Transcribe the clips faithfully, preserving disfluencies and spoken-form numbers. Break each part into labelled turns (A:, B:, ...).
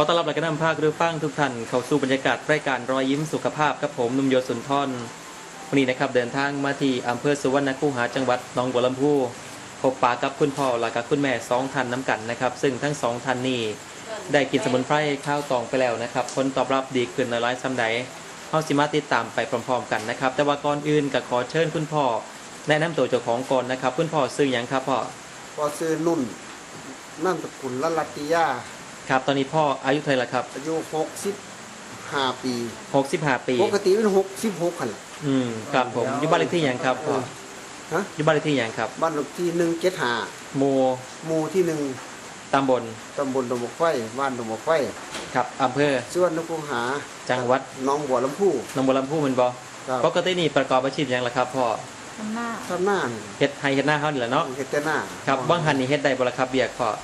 A: อต้อนรับและก็นำภาคหรือฟังทุกท่านเข้าสู่บรรยากาศรายการรอยยิ้มสุขภาพกับผมนุ่มโยสุนทรวันนี้นะครับเดินทางมาที่อำเภอสุวรรณคูหาจังหวัดหนองบัวลำพูพบปะกับคุณพ่อและกับคุณแม่สองท่านน้ำกันนะครับซึ่งทั้งสองท่านนี้ได้กินสมุนไพรข้าวตองไปแล้วนะครับผลตอบรับดีขึ้นหลายๆซ้ำใดเฮาสิมาติดตามไปพร้อมๆกันนะครับแต่ว่าก่อนอื่นก็ขอเชิญคุณพ่อแนะนำตัวเจ้าของก่อนนะครับคุณพ่อชื่อหยังครับพ่อ
B: พ่อชื่อนุ่นนามสกุลละลัตติยา
A: ครับตอนนี้พ่ออายุเท่าไหร่ละครับ
B: อายุหกสิบห้าปี
A: หกสิบห้าปี
B: ปกติเป็นหกสิบหกคัน
A: อืมครับผมอยู่บ้านเลขที่หยังครับพ่อ
B: ฮะ
A: อยู่บ้านเลขที่หยังครับ
B: บ้านเลขที่หนึ่งเจ็ดห้า
A: หมู่
B: หมู่ที่หนึ่ง
A: ตำบล
B: ตำบลดงบกไฟบ้านดงบกไฟ
A: ครับอำเภอ
B: สุวรรณคูหา
A: จังหวัด
B: หนองบัวลำพู
A: หนองบัวลำพูแม่นบ่ปกตินี่ประกอบอาชีพหยังล่ะครับพ่อ
C: ทำหน้า
B: ทำหน้า
A: เฮ็ดไห้เฮ็ดหน้าเฮานี่แหละเนาะ
B: เฮ็ดแต่หน้า
A: ครับบางหันนี่เฮ็ดได้บ่ล่ะครับเบียกพ่อ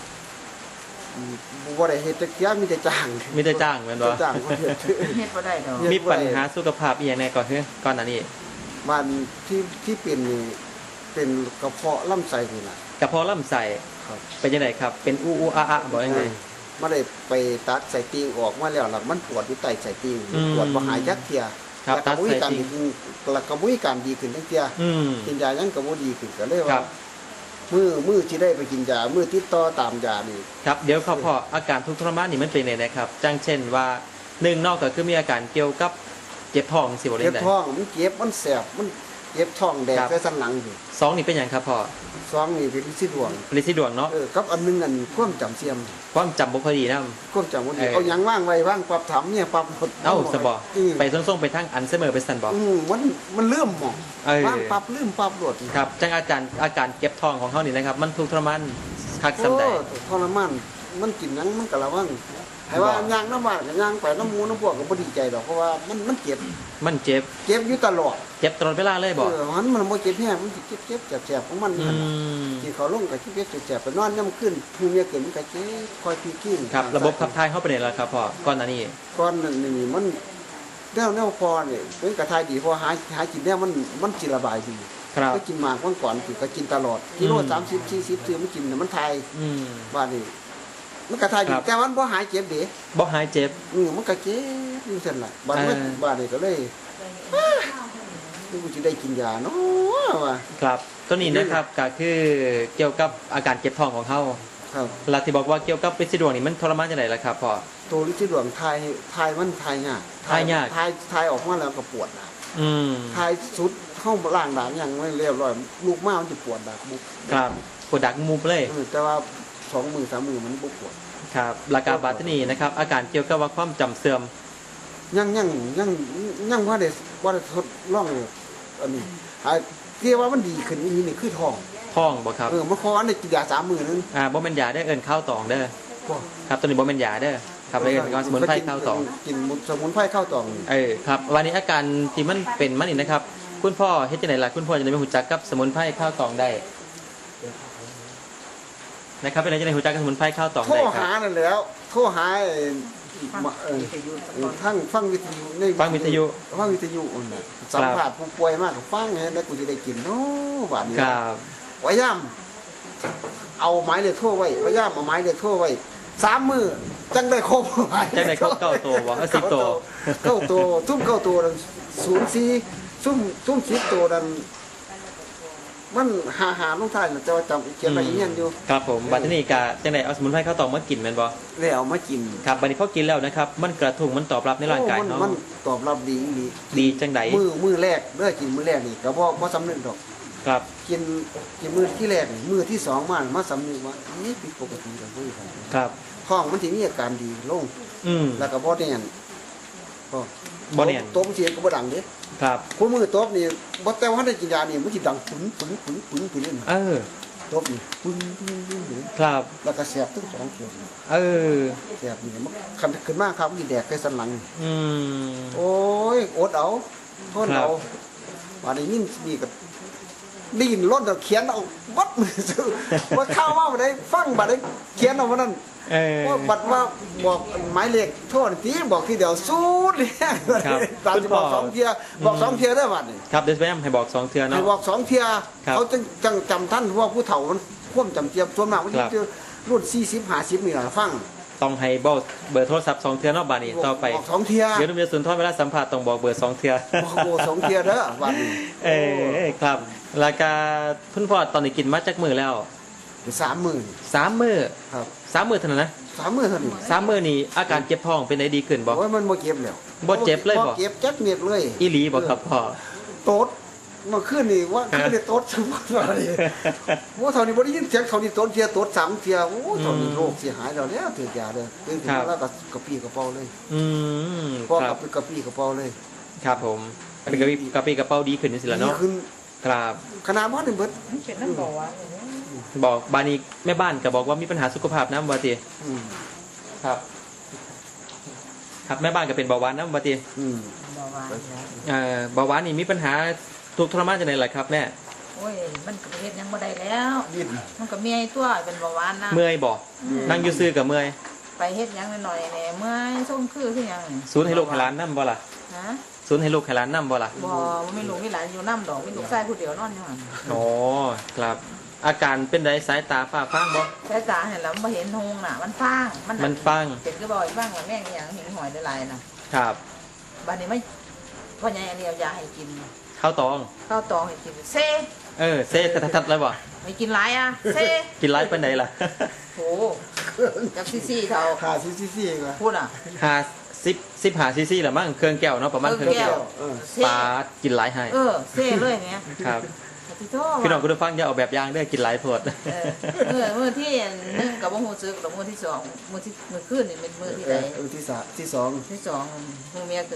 B: บ่ได้เฮ็ดจักเที่ยมีแต่จ้าง
A: มีแต่จ้างแม่นบ่
B: จ้างบ่เฮ็ด
C: เฮ็ดบ่ได้ดอก
A: มีปัญหาสุขภาพอีหยังแน่ก่อนเฮ้อก่อนหน้านี้
B: บ้านที่ที่เป็นนี่เป็นกระเพาะลำไส้นี่ล่ะ
A: กระเพาะลำไส้
B: ครับ
A: เป็นจังไดครับเป็นอูอูอาอะบ่ยังไง
B: บ่ได้ไปตัดไส้ติ่งออกมาแล้วล่ะมันปวดอยู่ใต้ไส้ติ่งปวดบ่หายจักเที่ย
A: ครับตัดไส้ติ่ง
B: แล้วก็บ่มีการดีขึ้นจักเที่ย
A: อืม
B: กินยายังก็บ่ดีขึ้นก็เลยว่ามื้อมื้อที่ได้ไปกินยามื้อติดต่อตามยานี่
A: ครับเดี๋ยวพ่อพ่ออาการทุกข์ทรมานนี่มันเป็นไงนะครับจังเช่นว่าหนึ่งนอกก็คือมีอาการเกี่ยวกับเจ็บท้องสิบ่ได้
B: เจ็บท้องมันเจ็บมันแสบมันเจ็บท้องแดงใส่สันหลังอยู่
A: สองนี่เป็นหยังครับพ่อ
B: สองนี่เป็นลิซิดวง
A: ลิซิดวงเนาะ
B: เออกับอันนึงอันความจำเสื่อม
A: ความจำบ่ค่อยดีน
B: ำความจำบ่ดีเอาหยังว่างไว้ว่างปรับถามเนี่ยปรับ
A: เอ้าซะบ่ไปส่งๆไปทางอัลไซเมอร์ไปซั่นบ่
B: อือมันมันลืมหม่องว่างปรับลืมปรับโลด
A: ครับจังอาการอาการเจ็บท้องของเฮานี่นะครับมันทุกข์ทรมานคักซำใด
B: โอ้ทรมานมันกินหยังมันก็ระวังให้ว่าย่างน้ำบ้านก็ย่างไปน้ำหมูน้ำพวกก็บ่ดีใจดอกเพราะว่ามันมันเจ็บ
A: มันเจ็บ
B: เจ็บอยู่ตลอด
A: เจ็บตลอดเวลาเลยบ่
B: เออมันมันบ่เจ็บแฮงมันสิเจ็บๆแสบๆของมันนั่นที่เขาลงก็เจ็บๆแสบๆไปนอนย่ำขึ้นผู้เมียเกิดมันก็เจ็บคอยพีกิ้ง
A: ครับระบบขับถ่ายเฮาเป็นไงล่ะครับพ่อก่อนหน้านี้
B: ก่อนนั้นนี่มันแนวแนวพอนี่เป็นกระทายดีพอหาหากินแนวมันมันสิระบายดี
A: ครับ
B: ก็กินหมากเมื่อก่อนคือก็กินตลอดกิโลสามสิบ สี่สิบซื้อมันกินน่ะมันทาย
A: อืม
B: ว่านี่มันกระทายดีแต่มันบ่หายเจ็บเด้
A: บ่หายเจ็บ
B: อือมันก็เจ็บอยู่ซั่นล่ะบัดนี้บัดนี้ก็เลยกูสิได้กินยาเนาะว่า
A: ครับตัวนี้นะครับก็คือเกี่ยวกับอาการเจ็บท้องของเฮา
B: ครับ
A: แล้วที่บอกว่าเกี่ยวกับลิซิดวงนี่มันทรมานจังได๋ล่ะครับพ่อ
B: ตัวลิซิดวงทายทายมันทายยาก
A: ทายยาก
B: ทายทายออกมาแล้วก็ปวดนะ
A: อืม
B: ทายสุดเข้าล่างด่างยังไม่เรียบร้อยลูกมามันจะปวดดักบุก
A: ครับปวดดักมุบเลย
B: แต่ว่าสองมือสามมือมันบ่ปวด
A: ครับหลักการบาดที่นี่นะครับอาการเกี่ยวกับว่าความจำเสื่อม
B: ยังยังยังยังว่าได้ว่าได้ทดลองอันนี้ไอ้ที่ว่ามันดีขึ้นนี่นี่คือท้อง
A: ท้องบ่ครับ
B: เออมันคออันนี้กินยาสามมื้อนึง
A: อ่าบ่แม่นยาเด้อเอิ้นข้าวตองเด้อครับตัวนี้บ่แม่นยาเด้อครับเอิ้นสมุนไพรข้าวตอง
B: กินสมุนไพรข้าวตอง
A: เออครับวันนี้อาการที่มันเป็นมันนี่นะครับคุณพ่อเฮ็ดจังได๋ล่ะคุณพ่อจะได้รู้จักกับสมุนไพรข้าวตองได้นะครับเป็นอะไรจะได้รู้จักกับสมุนไพรข้าวตองได้
B: ครับโทรหานั่นแล้วโทรหาทั้งฟังวิทยุใน
A: ฟังวิทยุ
B: ฟังวิทยุน่ะสัมภาษณ์ผู้ป่วยมากก็ฟังให้แล้วกูสิได้กินเนาะบาดนี้
A: ครับ
B: พยายามเอาไม้เลขโทรไว้พยายามเอาไม้เลขโทรไว้สามมื้อจังได้ครบ
A: จังได้ครบเก้าตัวบ่เออสิบตัว
B: เก้าตัวซุ่มเก้าตัวนั้นศูนย์สี่ซุ่มซุ่มสิบตัวนั้นมันหาหาลงท้ายแต่ว่าจำเขียนไว้อีกอย่างอยู่
A: ครับผมบัดนี้ก็จังได๋เอาสมุนไพรข้าวตองมากินแม่นบ่
B: ได้เอามากิน
A: ครับบัดนี้พอกินแล้วนะครับมันกระทุ้งมันตอบรับในร่างกายเนาะ
B: มันตอบรับดีดี
A: ดีจังได๋
B: มื้อมื้อแรกเด้อกินมื้อแรกนี่ก็บ่บ่สำนึกดอก
A: ครับ
B: กินกินมื้อที่แรกมื้อที่สองมามาสำนึกว่านี่ผิดปกติแล้วเว้ย
A: ครับ
B: ท้องมันสิมีอาการดีลง
A: อืม
B: แล้วก็บ่แน่นก็
A: บ่แน่น
B: ตบเสียงก็บ่ดังเด้
A: ครับ
B: คู่มือตบนี่บ่แต่ว่าได้กินยานี่มันสิดังปึ้งปึ้งปึ้งปึ้งปึ้งนี่
A: เออ
B: ตบนี่ปึ้งปึ้งปึ้งปึ้ง
A: ครับ
B: แล้วก็แสบทั้งสองเขียว
A: เออ
B: แสบนี่มันคันขึ้นมาครับมันสิแดกใส่สันหลัง
A: อืม
B: โอ้ยอดเอาทนเอาว่าได้ยินนี่ก็ได้ยินรถเขียนเอาวัดมือซื่อว่าเข้ามาบ่ได้ฟังบ่ได้เขียนเอาว่านั้น
A: เออ
B: ว่าบัดว่าบอกหมายเลขโทษทีบอกทีเดียวสู้เนี่ยตามจะบอกสองเทียบอกสองเทียได้บัดนี่
A: ครับเดี๋ยวแม่ให้บอกสองเทียเนาะ
B: ให้บอกสองเทียเขาจะจังจำท่านเพราะว่าผู้เฒ่ามันควบจำเจียบส่วนมากมันจะรุ่นสี่สิบห้าสิบนี่แหละฟัง
A: ต้องให้บอกเบอร์โทรศัพท์สองเทื่อเนาะบาดนี้ต่อไป
B: บอกสองเทีย
A: เดี๋ยวนุ่มยศสุนทรเวลาสัมภาษณ์ต้องบอกเบอร์สองเทื่อ
B: บอกโบสองเทียเด้อวันนี้
A: เออครับราคาคุณพ่อตอนนี้กินมาจากมือแล้ว
B: สามหมื่น
A: สามมือ
B: ครับ
A: สามมือเท่านั้นนะ
B: สามหมื่นเท่านี้
A: สามมือนี่อาการเจ็บท้องเป็นไงดีขึ้นบ่
B: โอ้ยมันบ่เจ็บแล้ว
A: บ่เจ็บเลยบ่
B: เจ็บจักเม็ดเลย
A: อีหลีบ่ครับพ่อ
B: โต๊ดเมื่อคืนนี่ว่าคืนนี่โต๊ดสมบัติอะไรว่าเท่านี้บ่ได้ยินเสียงเท่านี้โต๊ดเทียโต๊ดสามเทียโอ้เท่านี้โรคเสียหายแล้วเนี่ยถือยาเลยตื่นขึ้นมาแล้วก็กระปี้กระเป๋าเลย
A: อืม
B: พ่อ
A: ครั
B: กั
A: บบ
B: กระปี้กระเป๋าเลย
A: ครับผมเป็นกระปี้กระปี้กระเป๋าดีขึ้นนี่สิละ
B: ดี
A: เนาะ
B: ขึ้น
A: ครับ
B: ขนาดว่านี่เบิด
C: มันเป็นน้ำบ่อวะ
A: บอกบานี้แม่บ้านก็บอกว่ามีปัญหาสุขภาพน้ำบาติ
B: อืม
A: ครับ ครับแม่บ้านก็เป็นเบาหวานน้ำบาติ
B: อืม
C: บ่อวะแล้ว
A: เอ่อเบาหวานนี่มีปัญหาทุกข์ทรมานจังได๋ล่ะครับแม่
C: โอ้ยมันก็เฮ็ดหยังบ่ได้แล้ว
B: ดิ้น
C: มันก็เมียตัวเป็นเบาหวานนะ
A: เมื่อยบ่นั่งอยู่ซื่อกับเมื่อย
C: ไปเฮ็ดหยังหน่อยๆแหน่เมื่อยส่งคือคือหยังนี่
A: ศูนย์ให้ลูกให้หลานน้ำบ่ล่ะ
C: ฮะ
A: ศูนย์ให้ลูกให้หลานน้ำบ่ล่ะ
C: บ่บ่มีลูกมีหลานอยู่น้ำดอกมีลูกชายผู้เดียวนอนอยู่หั่น
A: อ๋อครับ อาการเป็นไดสายตาฝ้าฟางบ่
C: สายตาเห็นแล้วบ่เห็นหงน่ะ มันฟาง
A: มันฟัง
C: เป็นคือบ่อยฟังว่าแม่งอีหยังเห็นหอยหลายๆน่ะ
A: ครับ
C: บัดนี้ไม่พ่อใหญ่อันนี้เอายาให้กิน
A: ข้าวตอง
C: ข้าวตองให้กินเซ
A: เออเซ่ทัดๆเลยบ่
C: ไม่กินหลายอ่ะเซ
A: กินไรปานใดล่ะ
C: โหจับซี่ๆเท่า
B: ขาซีซีซีก็
C: พูดอ่ะ
A: ห้าสิบสิบห้าซีซีละมั้งเครื่องแก้วเนาะประมาณเครื่องแก้ว
B: เออ
C: เซ
A: ปลากินไรให้
C: เออเซเลยเนี่ย
A: ครับ
C: พี่โต
A: พี่น้องคุณผู้ฟังอย่าเอาแบบอย่างเด้อกินไรโพด
C: เออเมื่อเมื่อที่หนึ่งกับว่าหูซึกแล้วมื่อที่สองมื่อที่มื่อคืนนี่เป็นมื่อที่
B: เอ
C: ไหน
B: อเออที่สามที่สอง
C: ที่สองหูเมียขึ้น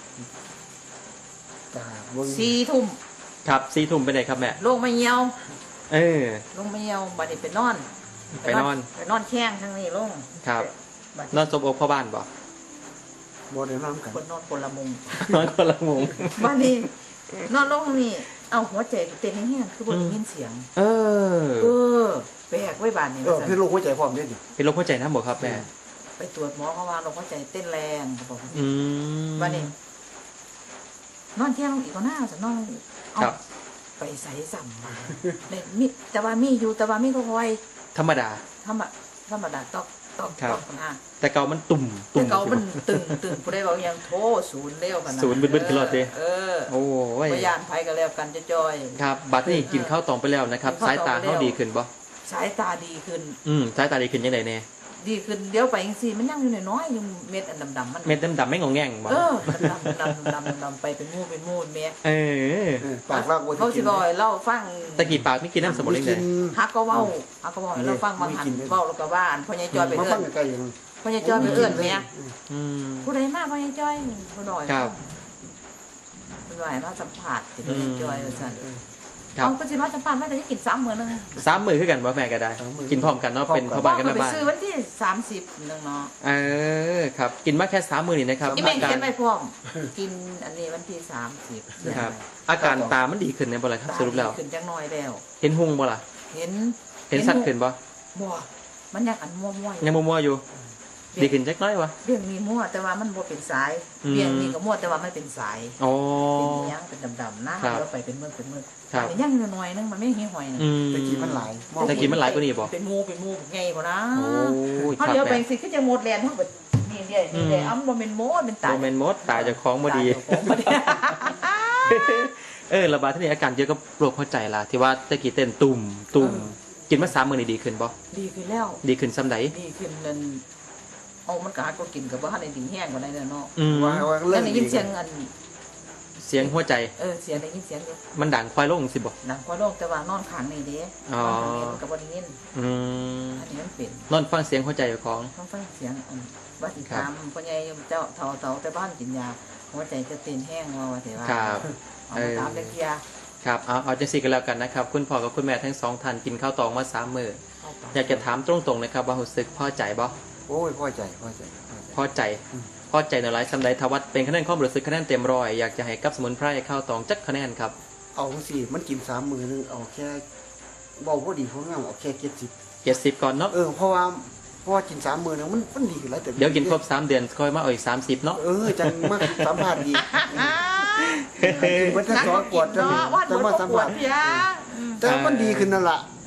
B: ตาเบิ่ง
C: สี่ทุ่ม
A: ครับซีทุ่มไปไหนครับแม่
C: ลงมาเหี่ยว
A: เออ
C: ลงมาเหี่ยวบัดนี้ไปนอน
A: ไปนอน
C: ไปนอนแข้งทางนี้ลง
A: ครับ
C: บัด
A: นอนสบอกพ่อบ้านบ่
B: บ่ได้นอนกัน
C: คนนอนคนละมุม
A: นอนคนละมุม
C: บัดนี้นอนลงนี่เอาหัวใจเต้นแห้งๆคือบ่ได้ยินเสียง
A: เออ
C: เออแปลกไว้บาดนี้
B: เออ
C: ว่าซั่น
B: พี่ลูกหัวใจพร้อมเด้ดิ
A: เป็นโรคหัวใจน้ำบ่ครับแม่
C: ไปตรวจหมอเขาว่าเราหัวใจเต้นแรงเขาบอกว่า
A: อืม
C: บัดนี้นอนเที่ยงลงอีกก็น่าจะนอนลงอีกเอา
A: ครับ
C: ไปใส่สัมมาเนี่ยมีแต่ว่ามีอยู่แต่ว่ามีก็คอย
A: ธรรมดา
C: ธรรมะธรรมดาตอกตอก
A: ครับ
C: ตอกนะ
A: แต่เก่ามันตุ่มตุ่
C: แต่
A: ม
C: เก่ามันตึงตึงผู้ใดบอกยังโทศูนย์เร็วกันนะ
A: ศูนย์บึ้นๆขึ้นรถดิ
C: เออ
A: โอ้ย
C: พยานภัยกันแล้วกันจะจอย
A: ครับ บัดนี้กินข้าวตองไปแล้วนะครับ
C: กินข้า
A: สายว
C: ตอง
A: ตา
C: ไปแล้ว
A: เขาดีขึ้นบ่
C: สายตาดีขึ้น
A: อืมสายตาดีขึ้นยังไงแน่
C: ดีขึ้นเดี๋ยวไปยังสี่มันยังอยู่น้อยๆอยู่เม็ดอันดำๆมัน
A: เม็ดดำๆไม่งงแง่งบ่
C: เออดำๆดำๆดำๆไปเป็นมูเป็นมูเมีย
A: เออ
B: เออปากลากบ่
C: เขาสิบอยเล่าฟัง
A: ตะกี้ปากไม่กินน้ำสมุน
B: มี
A: ไพรเล
B: กิ
A: ย
B: น
C: ฮักก็เว้าฮักก็เว้าให้เราฟังบางหันเว้าแล้วก็ว่าอันพ่อใหญ่จอยไป
B: มา
C: เอื้
B: ฟั
C: อง น
B: ใกล้ๆอย่าง
C: พ่อใหญ่จอยไปเอื้อนเมีย
A: อืม
C: ผู้ใดมาพ่อใหญ่จอยผู้หน่อย
A: ครับ
C: ผู้หน่อยมาสัมผัสที่พ่อใหญ่จอยว่าซั่น
A: ครับ
C: เอาก็สิมาสัมผัสไม่ได้กินซ้ำมื้อนึง
A: สามมือคือกันว่าแม่ก็ได้ กินพร้อมกันเนาะเป็นพ่อบ้านกัน
C: ก็
A: แม่
C: ไป
A: บ้าน
C: ซื้อวันที่สามสิบนึงเนาะ
A: เออครับ กินมาแค่สามมือนี่นะครับ
C: อีเมง
A: อาการ
C: เขียนไปพร้อมกินอันนี้วันที่สามสิบ
A: ครับ อาการตามันดีขึ้นในบ่ล่ะครับสรุปแล้ว
C: ขึ้นจังน้อยแล้ว
A: เห็นหุงบ่ล่ะ
C: เห็น
A: เห็นสัตว์ขึ้นบ่
C: บ่มันยังอันมั่วๆ
A: ยังมัวๆอยู่ ดีขึ้นจักหน้อยวะ
C: เบี่ยงมีมั่วแต่ว่ามันบ่เป็นสาย
A: อืม
C: เบี่ยงนี่ก็มั่วแต่ว่ามันเป็นสาย
A: อ๋อ
C: เป็นอิหยังเป็นดำๆนะครับ แล้วไปเป็นเมือกเป็นเมือก
A: ครับ
C: อันนี้ยังหน่อยนึงมันไม่เหี่ยวหอยนึง
A: อืม
B: ตะกี้มันหลาย
A: ตะกี้มันหลายกว่านี้บ่
C: เป็นหมูเป็นหมูไงกว่านะ
A: โอ้ยค
C: เขา
A: รับ
C: เดี๋ยวไป
A: แม่
C: สิคือจะหมดแลนเฮาก็นี่เด้นี่เด้อ้ำบ่แม่นโมเป็นตา
A: โมเมนต์มดตายจากของบ่ดี
C: ตายเจ้าของบ่ดี
A: เออระบาดที่นี่อาการเยอะกับโรคหัวใจล่ะที่ว่าตะกี้เต้นตุ่มตุ่มกินมาสามมื้อนี่ดีขึ้นบ่
C: ดีขึ้นแล้ว
A: ดีขึ้นซ้ำใด
C: ดีขึ้นนั่นเอามันก็หาก็กินก็บ่ทันได้ดีแห้งกว่าได้เนาะ
A: อืม
B: ว่าว่า
C: แล้
B: เรื่
C: ว
B: อง
C: ได้
B: ดี
C: ยินเสียงอัน
A: เสียงหัวใจ
C: เออเสียงได้ยินเสียงอยู่
A: มันดังควายลงสิบ่
C: หนังกว่าโลกแต่ว่านอนข้างนี่เด้
A: อ๋อ
C: นอนข้างนี้มันก็บ่ได้ยิน
A: อืม
C: อันนี้มันเป็น
A: นอนฟังเสียงหัวใจของ
C: ต้องฟังเสียงอันว่าติ
A: ครั
C: ตา
A: บ
C: มพ่อใหญ่เจ้าเฒ่าเฒ่าแต่บ้านกินยาหัวใจจะเต้นแห้งว่าว่าแต่ว่า
A: ครับ
C: เอา
A: เอ
C: มา
A: อ
C: ตามเด็กยา
A: ครับเอาเอาจังซี่กันแล้วกันนะครับ คุณพ่อกับคุณแม่ทั้งสองท่านกินข้าวตองมาสามมื้อ
C: เข้าไป
A: อยากจะถามตรงๆนะครับว่ารู้สึกพอใจบ่
B: โอ้ยพอใจพอใจพอใจ
A: พอใจ พอใจในหลายสำใดทวัดเป็นคะแนนความรู้สึกคะแนนเต็มร้อยอยากจะให้กับสมุนไพรข้าวตองจักคะแนนครับ
B: เอาสิมันกินสามมือนึงเอาแค่เบาพอดีพองามเอาแค่เจ็ดสิบ
A: เจ็ดสิบก่อนเนาะ
B: เออเพราะว่าเพราะว่ากินสามมือนึงมันมันดีขึ้นแล้วแต่
A: เดี๋ยวกินครบสามเดือนค่อยมาเอาอีกสามสิบเนาะ
B: เออจังมากสัมผัสดีมันจะ
C: นัก
B: สอ
C: ก็
B: นป
C: กิ
B: วด
C: น
B: จัง
C: เนาะวาด
B: จั
C: หั
B: ง
C: ว
B: มา
C: ก็
B: สัม
C: ปว
B: ผั
C: ด
B: ส
C: พี่ยาอืม
B: แต่มันดีขึ้นนั่นล่ะ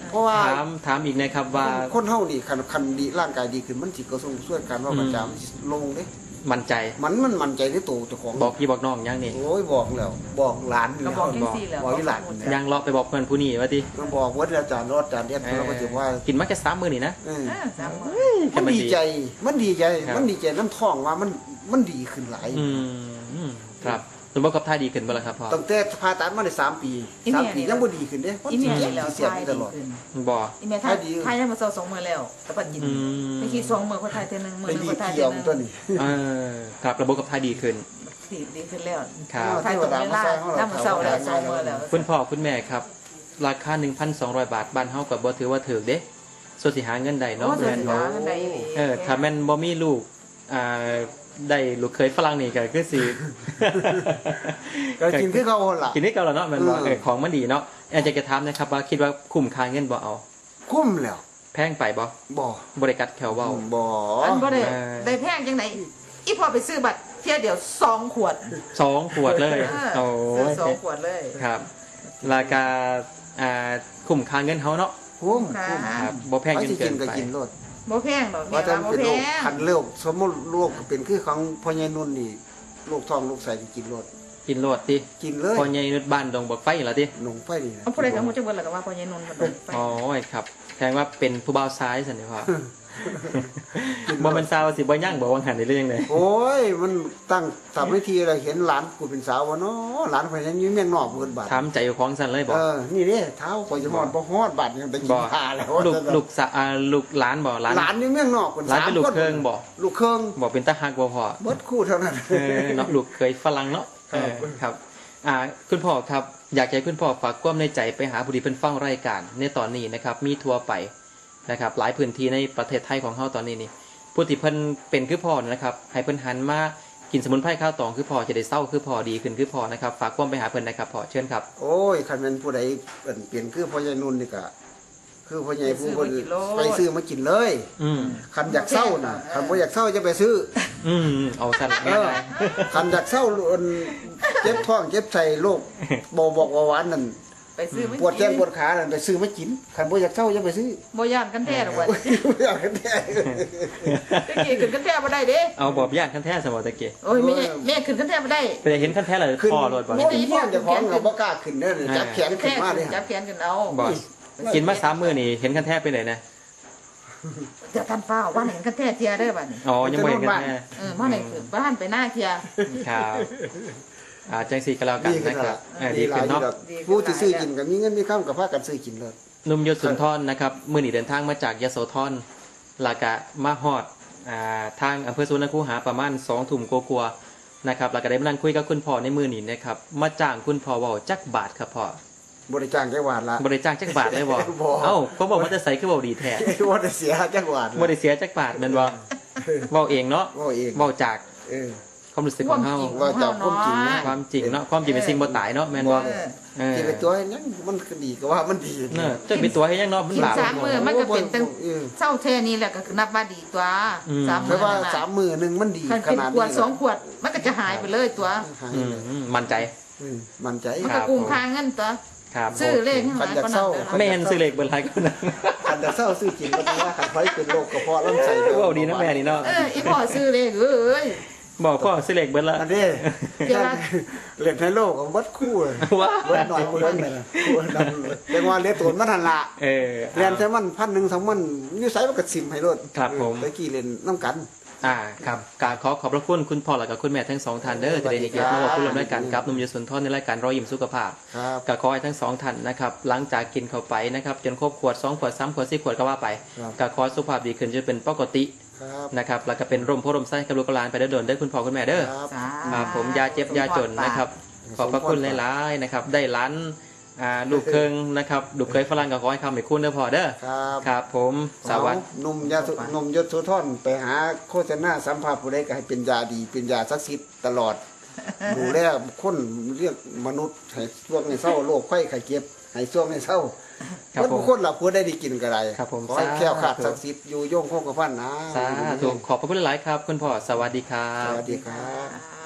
B: เพราะว่า
A: ถามถามอีกนะครับว่า
B: คนเฮานี่คันคันดีร่างกายดีขึ้นมันสิกระส่งช่วยกันว่า
A: อืม
B: มันจะลงเด้
A: มั่นใจ
B: มันมันมั่นใจในตัวเจ้าของ
A: บอกพี่บอกน้องยังนี่
B: โอ้ยบอกแล้วบอกหลาน
C: ก็บอกจังซี่แหล้ว
B: บอกที่หลาน
A: ยังเลาะไปบอกเพื่อนผู้นี้ว่าดิ
B: มันบอกว่าอาจารย์รอดอาจารย์เรียนเราก็จะว่า
A: กินมาแค่สามมื้อนี่นะ
B: เออ
C: เออสามมื้อ
B: มันดีใจ มันดีใจ
A: ครับ
B: มันดีใจน้ำท้องว่ามันมันดีขึ้นหลาย
A: อืมครับสมบูรณ์กับท่าดีขึ้นบ่ล่ะครับพ่อ
B: ตั้งแต่ผ่าตัดมาได้สามปีสามปียังบ่ดีขึ้นเด้มัน
C: อี
B: สิ
C: เมีย
B: เจ็บ
C: นี่แล้ว
B: เสีย
C: ทาย
B: ต
C: ดี
B: ลอด
C: ขึ้น
A: บ่
C: อีเมียทาย
B: ทายดี
C: ทายยังมาเซาสองมื้อแล้วแต่ปัดยิน
A: อืม
C: ไม่คิดสองมื้อเขาทายเทื่อนึงมื้อ
B: ไป
C: นึง
B: ดี
C: เขาทาย
B: เกี่
C: เทื่
B: ย
C: อ
B: ว
C: นึง
B: ตัวนี้
A: เออครับระบบกับท่าดีขึ้น
C: ดีดีขึ้นแล้ว
A: ครับ
C: ทายตรงเวลาถ้ามื้อเช้าแล้วสองมื้อแล้ว
A: คุณพ่อคุณแม่ครับ ราคา หนึ่งพันสองร้อย บาทบ้านเฮาก็บ่ถือว่าถูกเด้ส่วนสิหาเงินได้เนาะ
C: โอ้
A: แม่นบ่
C: หาเงินได้ดี
A: เออถ้าแม่นบ่มีลูกอ่าได้ลูกเคยฝรั่งนี่ก็คือสิ
B: ก็กินคือเขาหั่นล่ะ
A: กินได้เก่าแล้วเนาะแม่นบ่
B: เออ
A: เออของมันดีเนาะอยากจะถามนะครับว่าคิดว่าคุ้มค่าเงินบ่เอา
B: คุ้มแล้ว
A: แพงไปบ่
B: บ่
A: บ่ได้กัดแขวเว้า
B: บ่
C: อันบ่ได้
A: เออ
C: ได้แพงจังไหนอีพอไปซื้อบัตรเที่ยเดียวสองขวด
A: สองขวดเลย
C: เอ
A: โอ้
C: อซื้อสองขวดเลย
A: ครับ ราคาอ่าคุ้มค่าเงินเฮาเนาะ
B: คุ้ม
C: ค่ะ
B: คุ้ม
A: ครับบ่แพง
B: ไป
A: จน
B: สิ
A: เกิ
B: กิ
A: น
B: นก็
A: ไป
B: กินโลด
C: บ่แพงดอก
B: ว่า
C: แม่
B: จะ
C: ว่าบ่
B: เป็น
C: แพ
B: โรค
C: ง
B: คันโรคสมมุติโรคเป็นคือของพ่อใหญ่นุ่นนี่โรคท้องโรคไส้ที่กินโลด
A: กินโลดติ
B: กินเลย
A: พอใหญ่นุดบ้านดงบักไฟเหรอติ
B: หนงไฟนี่นะ
C: เอาผู้ใดก็ฮู้จักเบิดแล้วก็ว่าพ่อใหญ่นนท์บ่ดอกไป
A: อ๋อครับแสดงว่าเป็นผู้บ่าวซ้ายสันนิษฐานบ่เป็นสาวสิบ่ย่างบ่วังหันได้เรื่องเลย
B: โอ้ยมันตั้งทำวิธีอะไรเห็นหลานกูเป็นสาววะเนาะหลานข่อยยังอยู่เมียงนอกเพิ่นบาด
A: ถามใจอยู่ของสันเลยบ่
B: เออนี่เด้เท้าข่อยจะฮอดบ่ฮอดบาดยังไปกิ
A: บ่
B: นผ้าแล้ว
A: ลูกลูกสะอ่าลูกหลานบ่หลาน
B: หลานอยู่เมียงนอกเพิ่น
A: หลาน
B: สาม
A: เป็นลูก
B: คน
A: เครื่องบ่
B: ลูกเครื่อง
A: บ่เป็นตาฮักบ่พอ
B: เบิดคู่เท่านั้น
A: เออเนาะลูกเคยฝรั่งเนาะเออครับอ่าคุณพ่อครับอยากให้คุณพ่อฝากความในใจไปหาผู้ที่เพิ่นฟังรายการในตอนนี้นะครับมีทั่วไปนะครับหลายพื้นที่ในประเทศไทยของเฮาตอนนี้นี่ผู้ที่เพิ่นเป็นคือพ่อนะครับให้เพิ่นหันมากินสมุนไพรข้าวตองคือพ่อจะได้เศร้าคือพ่อดีขึ้นคือพ่อนะครับฝากความไปหาเพิ่นนะครับพ่อเชิญครับ
B: โอ้ยคันแม่นผู้ใดเอิ้นเปลี่ยนคือพ่อใหญ่นุ่นนี่ก็คือพ่อใหญ่ผู้เพิ่นไปซื้อมากินเลย
A: อืม
B: คันอยากเศร้าน่ะคันบ่อยากเศร้าจะไปซื้อ
A: อืมเอาสั้น
B: เออคันอยากเศร้าอันเจ็บท้องเจ็บไส้โรคเบาบอกว่าหวานนั่น
C: ไปซื้อไม่
B: ปวดแข้งปวดขานั่นไปซื้อมากินคันบ่อยากเศร้าจะไปซื้อ
C: บ่ย่านกันแท้ดอกว่า
B: บ่อยากให้แท้
C: ตะกี้ขึ้นกันแท้บ่ได้เด้
A: เอาบอบย่านขั้นแท้สมอตะเกีย
C: โอ้ยแม่แม่ขึ้นกันแท้บ่ได้
A: ไปเห็นขั้นแท้เลย
B: ขึ้น
A: พ่อรถบ่
B: โอ้ยเฮียเจ้าของเราบ่กล้าขึ้นเด้อจับแขนขึ้
C: แท้
B: นมาเลย
C: จับแขนกันเอา
A: บ่กินมาสามมื้อนี่เห็นขั้นแท้ไปไหนนะ
C: เดี๋ยวท่านฟ้าว่าเห็นกันแท้เทียเด้อบัดนี้
A: อ๋อยังบ่เห็นขั้นแท้
C: เออมาไหนคือบ้านไปหน้าเทีย
A: ครับอ่าจังสีก็แล้วกัน
B: ดีขึ้น
A: นะค
B: แล้
A: รั
B: ว
A: บเออดีขึ้นเนาะ
B: ผู้ที่ซื้อกินก็มีเงินมีคำก็พากันซื้อกินเลย
A: หนุ่มยศสุนทรนะครับมื้อนี้เดินทางมาจากยโสธรแลากะมาฮอดอ่าทางอำเภอสุวรรณคูหาประมาณสองทุ่มกว่าๆนะครับแล้วก็ได้มานั่งคุยกับคุณพ่อในมื้อนี้นะครับมาจ้างคุณพ่อเว้าจักบาทครับพ่อบ
B: ริจ้างจังหวัดละ
A: บ่ได้จ้างจักบาทเลยบ่
B: บ่
A: เอ้าก็บอกว่าจะใส่คือเว้าดีแท้
B: ว่าได้เสียจังหวัด
A: บ่ได้เสียจักบาทแม่นบ่เว้าเองเนาะ
B: ว่าเอง
A: เว้าจาก
B: เออ
A: ความรู้สึกของเฮา
B: ว่าจากความจริงนะ
A: ความจริงเนาะความจริงเป็นสิ่งบ่ตายเนาะแม่นบ่เออ
B: ที่เป็นตัวยังมันก็ดีก็ว่ามันดี
A: เนอะจะเป็นตัวให้ยังเนาะมัน
C: กิน
A: บาป
C: สามมื้อมันก็เป็นตั้ง
B: เออ
C: เศร้าแท้นี้แหละก็คือนับว่าดีตัว
A: อืม
C: สาม
B: เพ
C: มื้อ
B: ราะว่า
C: นั่นน่ะ
B: สามมือหนึ่งมันดี
C: คัน
B: ข
C: เป็น
B: นาด
C: ขวด
B: นี้
C: สองขวดมันก็จะหายไปเลยตัว
B: หาย
A: อื
B: เลย
A: มมั่นใจ
B: อืมมันใจ
C: มันก็กุ้งค่าเงินตัว
A: ครับ
C: ซื้อเลขให้ห
B: คั
C: มาน
B: อยาก
C: ก็
B: เศ
C: นั่
B: ร้า
C: น
A: แม่นซื้อเลขเบอร์ไรก็นะ
B: คันจะเศร้าซื้อกินก็ต้องว่าคันไฟเป็นโรคกระเพาะลำไส้
A: เว้าดีนะแม่นี่เนาะ
C: เอออีพ่อซื้อเลขเอ้ย
A: บอกพ่อซื้อเลขเบอร์ละ
B: อันนี้
C: เดี๋ยวละ
B: เล่นในโลกของวัดคู่เลย
A: ว้า
B: วัดหน่อยเบิ่งเลยนะเรียกว่าเลี้ยตัวมันทันละ
A: เออ
B: เรียนแต่มันพันหนึ่งสองมันอยู่ไสมันก็สิมให้รถ
A: ครับผม
B: ตะกี้เล่นน้ำกัน
A: อ่าครับกราบขอขอบพระคุณคุณพ่อและกับคุณแม่ทั้งสองท่านเด้อที่ได้ให้เกียรติมาบอกคุณร่วมรายการกับหนุ่มยศสุนทรในรายการรอยยิ้มสุขภาพ
B: ครับ
A: ก็ขอให้ทั้งสองท่านนะครับหลังจากกินเข้าไปนะครับจนครบขวดสองขวดสามขวดสี่ขวดก็ว่าไป
B: ครับ
A: ก็ขอให้สุขภาพดีขึ้นจนเป็นปกติ
B: ครับ
A: นะครับแล้วก็เป็นร่มโพร่มไส้กับลูกหลานไปเด้อโดนเด้อคุณพ่อคุณแม่เด้อ
B: ครับ
C: สา
A: ครับผมยาเจ็บยาจนนะครับขอบพระคุณหลายๆนะครับได้ร้านอ่าลูกเคิงนะครับลูกเคยฝรั่งก็ขอให้คำให้คุณเด้อพอเด้อ
B: ครับ
A: ครับผมสวัสดี
B: หนุ่มยาสุหนุ่มยศสุทรไปหาโฆษณาสัมภาษณ์ผู้ใดก็ให้เป็นยาดีเป็นยาศักดิ์สิทธิ์ตลอด ดูแลคนเรียกมนุษย์ให้ช่วงให้เศร้าโรคไข้ไข้เจ็บให้ช่วงให้เศร้า
A: ครับ
B: เมื่อ
A: ผม
B: ผู้คนเราผู้ได้ดีกินกันไร
A: ครับผม
B: ขอให้แคล้วขาด
A: สาธุ
B: ศักดิ์สิทธิ์อยู่โยงคงกระพันนะ
A: สาธุขอบพระคุณหลายๆครับ คุณพ่อสวัสดีครั
B: ส
A: บ
B: วัสดีครับ
C: อ่า